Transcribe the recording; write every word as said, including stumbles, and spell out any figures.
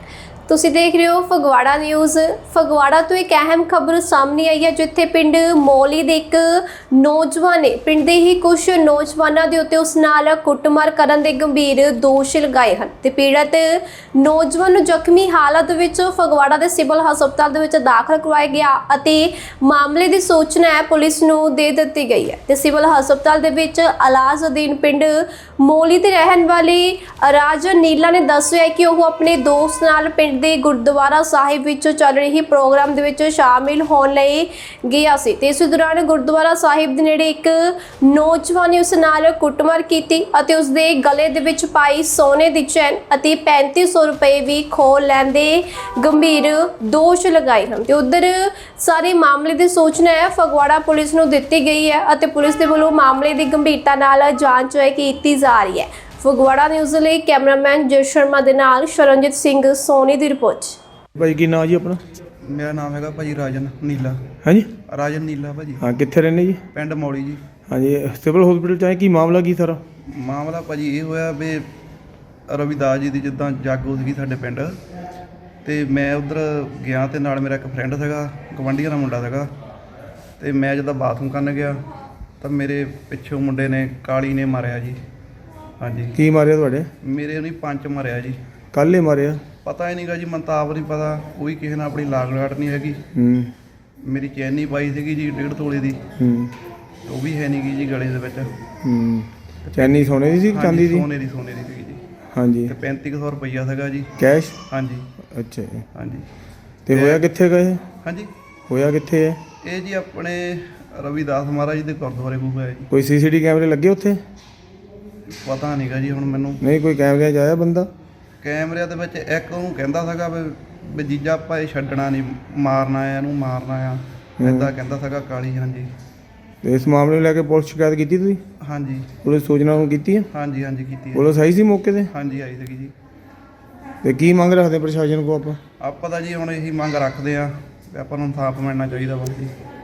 ਤੁਸੀਂ ਦੇਖ ਰਹੇ ਹੋ ਫਗਵਾੜਾ ਨਿਊਜ਼। ਫਗਵਾੜਾ ਤੋਂ ਇੱਕ ਅਹਿਮ ਖਬਰ ਸਾਹਮਣੇ ਆਈ ਹੈ, ਜਿੱਥੇ ਪਿੰਡ ਮੌਲੀ ਦੇ ਇੱਕ ਨੌਜਵਾਨ ਨੇ ਪਿੰਡ ਦੇ ਹੀ ਕੁਝ ਨੌਜਵਾਨਾਂ ਦੇ ਉੱਤੇ ਉਸ ਨਾਲ ਕੁੱਟਮਾਰ ਕਰਨ ਦੇ ਗੰਭੀਰ ਦੋਸ਼ ਲਗਾਏ ਹਨ ਤੇ ਪੀੜਤ ਨੌਜਵਾਨ ਨੂੰ ਜ਼ਖਮੀ ਹਾਲਤ ਵਿੱਚ ਫਗਵਾੜਾ ਦੇ ਸਿਵਲ ਹਸਪਤਾਲ ਦੇ ਵਿੱਚ ਦਾਖਲ ਕਰਵਾਇਆ ਗਿਆ ਅਤੇ ਮਾਮਲੇ ਦੀ ਸੂਚਨਾ ਹੈ ਪੁਲਿਸ ਨੂੰ ਦੇ ਦਿੱਤੀ ਗਈ ਹੈ ਤੇ ਸਿਵਲ ਹਸਪਤਾਲ ਦੇ ਵਿੱਚ ਇਲਾਜ ਅਧੀਨ ਪਿੰਡ ਮੌਲੀ ਦੇ ਰਹਿਣ ਵਾਲੇ ਰਾਜਨ ਨੀਲਾ ਨੇ ਦੱਸਿਆ ਕਿ ਉਹ ਆਪਣੇ ਦੋਸਤ ਨਾਲ ਪਿੰਡ ਦੇ ਗੁਰਦੁਆਰਾ ਸਾਹਿਬ ਵਿੱਚ ਚੱਲ ਰਹੀ ਪ੍ਰੋਗਰਾਮ ਦੇ ਵਿੱਚ ਸ਼ਾਮਿਲ ਹੋਣ ਲਈ ਗਿਆ ਸੀ ਤੇ ਇਸ ਦੌਰਾਨ ਗੁਰਦੁਆਰਾ ਸਾਹਿਬ ਦੇ ਨੇੜੇ ਇੱਕ ਨੌਜਵਾਨ ਨੇ ਉਸ ਨਾਲ ਕੁੱਟਮਾਰ ਕੀਤੀ ਅਤੇ ਉਸ ਦੇ ਗਲੇ ਦੇ ਵਿੱਚ ਪਾਈ ਸੋਨੇ ਦੀ ਚੈਨ ਅਤੇ ਪੈਂਤੀ ਸੌ ਰੁਪਏ ਵੀ ਖੋਹ ਲੈਣ ਦੇ ਗੰਭੀਰ ਦੋਸ਼ ਲਗਾਏ ਹਨ ਤੇ ਉਧਰ ਸਾਰੇ ਮਾਮਲੇ ਦੀ ਸੂਚਨਾ ਹੈ ਫਗਵਾੜਾ ਪੁਲਿਸ ਨੂੰ ਦਿੱਤੀ ਗਈ ਹੈ ਅਤੇ ਪੁਲਿਸ ਦੇ ਵੱਲੋਂ ਮਾਮਲੇ ਦੀ ਗੰਭੀਰਤਾ ਨਾਲ ਜਾਂਚ ਹੈ ਕੀਤੀ ਜਾ ਰਹੀ ਹੈ। ਫਗਵਾੜਾ ਨਿਊਜ਼ ਲਈ ਕੈਮਰਾਮੈਨ ਜੈ ਸ਼ਰਮਾ ਦੇ ਨਾਲ ਸ਼ਰਨਜੀਤ ਸਿੰਘ ਸੋਨੀ ਦੀ ਰਿਪੋਰਟ। ਭਾਈ ਕੀ ਨਾਮ ਜੀ ਆਪਣਾ? ਮੇਰਾ ਨਾਮ ਹੈਗਾ ਭਾਜੀ ਰਾਜਨ ਨੀਲਾ। ਹਾਂਜੀ ਰਾਜਨ ਨੀਲਾ ਭਾਜੀ। ਹਾਂ, ਕਿੱਥੇ ਰਹਿੰਦੇ ਜੀ? ਪਿੰਡ ਮੌਲੀ ਜੀ। ਹਾਂਜੀ, ਸਿਵਲ ਹਸਪੀਟਲ ਚ ਆਏ, ਕੀ ਮਾਮਲਾ ਕੀ ਸਾਰਾ? ਮਾਮਲਾ ਭਾਜੀ ਇਹ ਹੋਇਆ ਵੀ ਰਵਿਦਾਸ ਜੀ ਦੀ ਜਿੱਦਾਂ ਜਾਗੋ ਸੀਗੀ ਸਾਡੇ ਪਿੰਡ, ਤੇ ਮੈਂ ਉੱਧਰ ਗਿਆ ਤੇ ਨਾਲ ਮੇਰਾ ਇੱਕ ਫਰੈਂਡ ਸੀਗਾ, ਗਵਾਂਢੀਆਂ ਦਾ ਮੁੰਡਾ ਸੀਗਾ, ਤੇ ਮੈਂ ਜਦੋਂ ਬਾਥਰੂਮ ਕਰਨ ਗਿਆ ਤਾਂ ਮੇਰੇ ਪਿੱਛੋਂ ਮੁੰਡੇ ਨੇ ਕਾਲੀ ਨੇ ਮਾਰਿਆ ਜੀ। ਹਾਂਜੀ। ਕੀ ਮਾਰਿਆ ਤੁਹਾਡੇ? ਮੇਰੇ ਉਹਨੇ ਪੰਜ ਮਾਰਿਆ ਜੀ। ਕੱਲ੍ਹ ਹੀ ਮਾਰਿਆ? ਪਤਾ ਹੀ ਨਹੀਂਗਾ ਜੀ, ਮੈਨੂੰ ਤਾਂ ਆਪ ਨਹੀਂ ਪਤਾ, ਕੋਈ ਕਿਸੇ ਨਾਲ ਆਪਣੀ ਲਾਗ ਲਾਟ ਨਹੀਂ ਹੈਗੀ। ਹੂੰ। ਮੇਰੀ ਚੈਨ ਨਹੀਂ ਪਾਈ ਸੀਗੀ ਜੀ ਡੇਢ ਤੋਲੇ ਦੀ। ਹੂੰ। ਉਹ ਵੀ ਹੈ ਨਹੀਂ ਗੀ ਜੀ ਗਲੇ ਦੇ ਵਿੱਚ। ਹੂੰ। ਚੈਨੀ ਸੋਨੇ ਦੀ ਸੀ ਚਾਂਦੀ ਦੀ? ਸੋਨੇ ਦੀ ਸੋਨੇ ਦੀ ਸੀਗੀ ਜੀ। ਹਾਂਜੀ। ਤੇ ਪੈਂਤੀ ਸੌ ਰੁਪਈਆ ਸੀਗਾ ਜੀ ਕੈਸ਼? ਹਾਂਜੀ। ਅੱਛਾ ਜੀ। ਹਾਂਜੀ। ਤੇ ਹੋਇਆ ਕਿੱਥੇ ਗਏ? ਹਾਂਜੀ, ਹੋਇਆ ਕਿੱਥੇ ਹੈ ਇਹ ਜੀ ਆਪਣੇ ਰਵਿਦਾਸ ਮਹਾਰਾਜ ਜੀ ਦੇ ਗੁਰਦੁਆਰੇ ਕੋਲ ਹੋਇਆ ਜੀ। ਕੋਈ ਸੀਸੀਟੀ ਕੈਮਰੇ ਲੱਗੇ ਉੱਥੇ? ਪਤਾ ਨਹੀਂਗਾ ਜੀ ਹੁਣ ਮੈਨੂੰ। ਨਹੀਂ, ਕੋਈ ਕੈਮਰਿਆਂ 'ਚ ਆਇਆ ਬੰਦਾ? ਕੈਮਰਿਆਂ ਦੇ ਵਿੱਚ ਇੱਕ ਉਹਨੂੰ ਕਹਿੰਦਾ ਸੀਗਾ ਵੀ ਵੀ ਜੀਜਾ ਆਪਾਂ ਇਹ ਛੱਡਣਾ ਨਹੀਂ, ਮਾਰਨਾ ਆ ਇਹਨੂੰ, ਮਾਰਨਾ ਆ, ਇੱਦਾਂ ਕਹਿੰਦਾ ਸੀਗਾ ਕਾਲੀ। ਹਾਂਜੀ। ਤੇ ਇਸ ਮਾਮਲੇ ਨੂੰ ਲੈ ਕੇ ਪੁਲਿਸ ਸ਼ਿਕਾਇਤ ਕੀਤੀ ਤੁਸੀਂ? ਹਾਂਜੀ। ਪੁਲਿਸ ਸੂਚਨਾ ਨੂੰ ਕੀਤੀ ਹੈ? ਹਾਂਜੀ ਹਾਂਜੀ ਕੀਤੀ ਹੈ। ਪੁਲਿਸ ਆਈ ਸੀ ਮੌਕੇ ਤੇ? ਹਾਂਜੀ ਆਈ ਸੀਗੀ ਜੀ। ਤੇ ਕੀ ਮੰਗ ਰੱਖਦੇ ਪ੍ਰਸ਼ਾਸਨ ਕੋ ਆਪਾਂ? ਆਪਾਂ ਤਾਂ ਜੀ ਹੁਣ ਇਹੀ ਮੰਗ ਰੱਖਦੇ ਆ ਵੀ ਆਪਾਂ ਨੂੰ ਇਨਸਾਫ ਮਿਲਣਾ ਚਾਹੀਦਾ ਵਾ ਜੀ।